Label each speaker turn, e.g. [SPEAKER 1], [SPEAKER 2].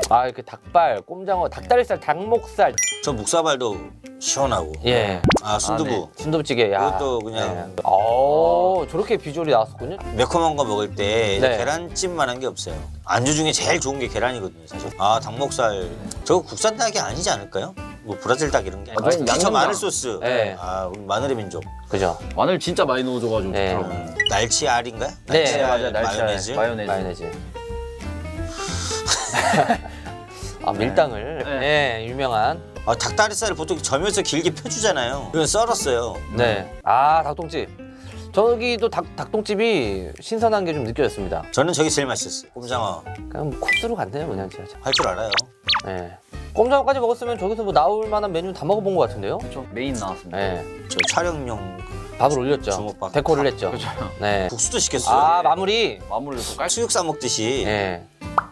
[SPEAKER 1] 아, 그 닭발, 꼼장어, 닭다리살, 닭목살.
[SPEAKER 2] 저 묵사발도 시원하고.
[SPEAKER 1] 예.
[SPEAKER 2] 아 순두부.
[SPEAKER 3] 네.
[SPEAKER 1] 순두부찌개. 야.
[SPEAKER 2] 그것도 그냥
[SPEAKER 1] 저렇게 비주얼이 나왔었군요.
[SPEAKER 2] 매콤한 거 먹을 때
[SPEAKER 1] 네.
[SPEAKER 2] 계란찜만한 게 없어요. 안주 중에 제일 좋은 게 계란이거든요, 사실. 아 닭목살. 저거 국산 닭이 아니지 않을까요? 뭐 브라질 닭 이런 게.
[SPEAKER 3] 아,
[SPEAKER 2] 특히 저
[SPEAKER 3] 양념장.
[SPEAKER 2] 마늘 소스.
[SPEAKER 1] 네.
[SPEAKER 2] 아 우리 마늘의 민족.
[SPEAKER 1] 그죠?
[SPEAKER 3] 마늘 진짜 많이 넣어줘가지고
[SPEAKER 1] 네.
[SPEAKER 3] 좋더라고요.
[SPEAKER 2] 날치알인가요?
[SPEAKER 1] 네,
[SPEAKER 3] 맞아요. 날치알,
[SPEAKER 2] 마요네즈.
[SPEAKER 1] 마요네즈. 아, 밀당을. 예, 유명한.
[SPEAKER 2] 아, 닭다리살을 보통 점여서 길게 펴주잖아요. 이건 썰었어요.
[SPEAKER 1] 네. 아, 닭똥집. 저기도 닭똥집이 신선한 게 좀 느껴졌습니다.
[SPEAKER 2] 저는 저게 제일 맛있었어요. 꼼장어.
[SPEAKER 1] 그냥 뭐 코스로 갔네요, 그냥 진짜.
[SPEAKER 2] 할 줄 알아요.
[SPEAKER 1] 네. 꼼장어까지 먹었으면 저기서 뭐 나올 만한 메뉴 다 먹어본 것 같은데요?
[SPEAKER 3] 그렇죠. 메인 나왔습니다.
[SPEAKER 1] 네.
[SPEAKER 2] 저 촬영용
[SPEAKER 1] 밥을 올렸죠.
[SPEAKER 2] 주먹밥.
[SPEAKER 1] 데코를 했죠.
[SPEAKER 3] 그렇죠.
[SPEAKER 1] 네.
[SPEAKER 2] 국수도 시켰어요.
[SPEAKER 1] 아, 마무리.
[SPEAKER 3] 마무리를 또 깔.
[SPEAKER 2] 수육 싸 먹듯이.
[SPEAKER 1] 네.